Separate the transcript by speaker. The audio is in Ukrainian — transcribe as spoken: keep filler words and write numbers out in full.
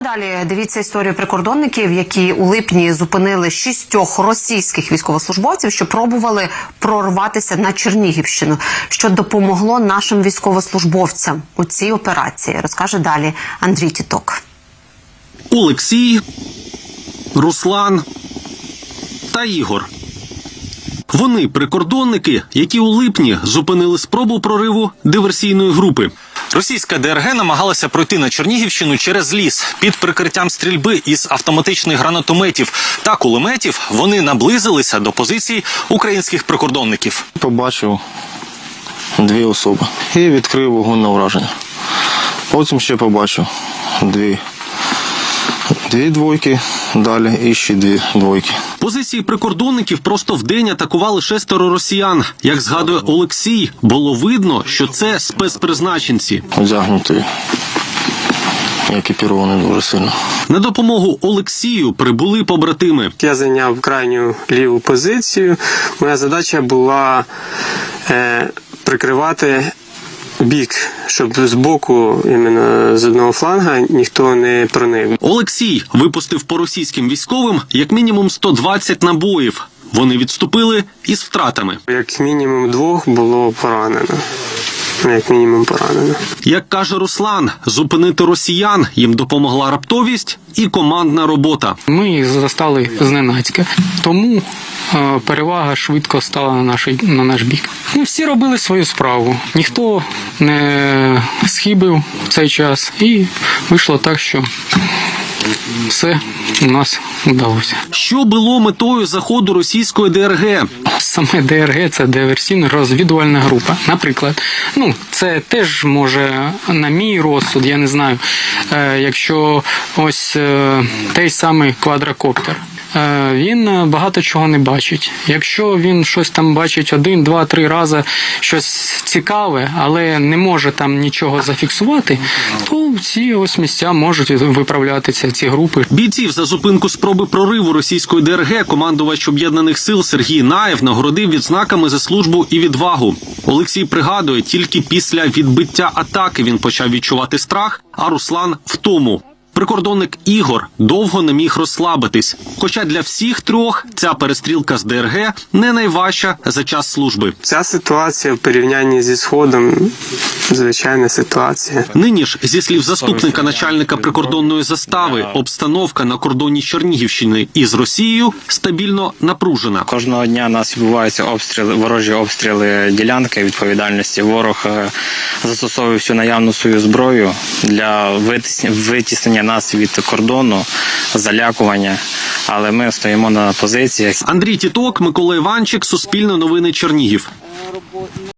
Speaker 1: Далі дивіться історію прикордонників, які у липні зупинили шістьох російських військовослужбовців, що пробували прорватися на Чернігівщину, що допомогло нашим військовослужбовцям у цій операції. Розкаже далі Андрій Тіток.
Speaker 2: Олексій, Руслан та Ігор. Вони прикордонники, які у липні зупинили спробу прориву диверсійної групи.
Speaker 3: Російська ДРГ намагалася пройти на Чернігівщину через ліс. Під прикриттям стрільби із автоматичних гранатометів та кулеметів вони наблизилися до позицій українських прикордонників.
Speaker 4: Побачив дві особи і відкрив вогонь на враження. Потім ще побачив дві. Дві двойки, далі і ще дві двойки.
Speaker 2: Позиції прикордонників просто вдень атакували шестеро росіян. Як згадує Олексій, було видно, що це спецпризначенці.
Speaker 4: Одягнуті, екіпіровані дуже сильно.
Speaker 2: На допомогу Олексію прибули побратими.
Speaker 5: Я зайняв крайню ліву позицію. Моя задача була е, прикривати бік, щоб з боку, іменно з одного фланга, ніхто не проник.
Speaker 2: Олексій випустив по російським військовим як мінімум сто двадцять набоїв. Вони відступили із втратами.
Speaker 5: Як мінімум двох було поранено. Як мінімум поранено.
Speaker 2: Як каже Руслан, зупинити росіян їм допомогла раптовість і командна робота.
Speaker 6: Ми їх застали зненацька, тому е, перевага швидко стала на наш, на наш бік. Ми всі робили свою справу, ніхто не схибив в цей час і вийшло так, що все у нас вдалося.
Speaker 2: Що було метою заходу російської ДРГ?
Speaker 6: Саме ДРГ – це диверсійно-розвідувальна група. Наприклад, ну, це теж може, на мій розсуд, я не знаю, е, якщо ось е, той самий квадрокоптер. Е, він багато чого не бачить. Якщо він щось там бачить один, два, три рази, щось цікаве, але не може там нічого зафіксувати, то ці ось місця можуть виправлятися, ці групи.
Speaker 2: Бійців за зупинку спроби прориву російської ДРГ командувач Об'єднаних сил Сергій Наєв нагородив відзнаками за службу і відвагу. Олексій пригадує, тільки після відбиття атаки він почав відчувати страх, а Руслан – втому. Прикордонник Ігор довго не міг розслабитись. Хоча для всіх трьох ця перестрілка з ДРГ не найважча за час служби.
Speaker 5: Ця ситуація в порівнянні зі Сходом – звичайна ситуація.
Speaker 2: Нині ж, зі слів заступника начальника прикордонної застави, обстановка на кордоні Чернігівщини із Росією стабільно напружена.
Speaker 7: Кожного дня у нас відбуваються обстріли, ворожі обстріли ділянки відповідальності. Ворог застосовує всю наявну свою зброю для витіснення нас від кордону, залякування, але ми стоїмо на позиціях.
Speaker 2: Андрій Тіток, Микола Іванчик, Суспільне новини, Чернігів.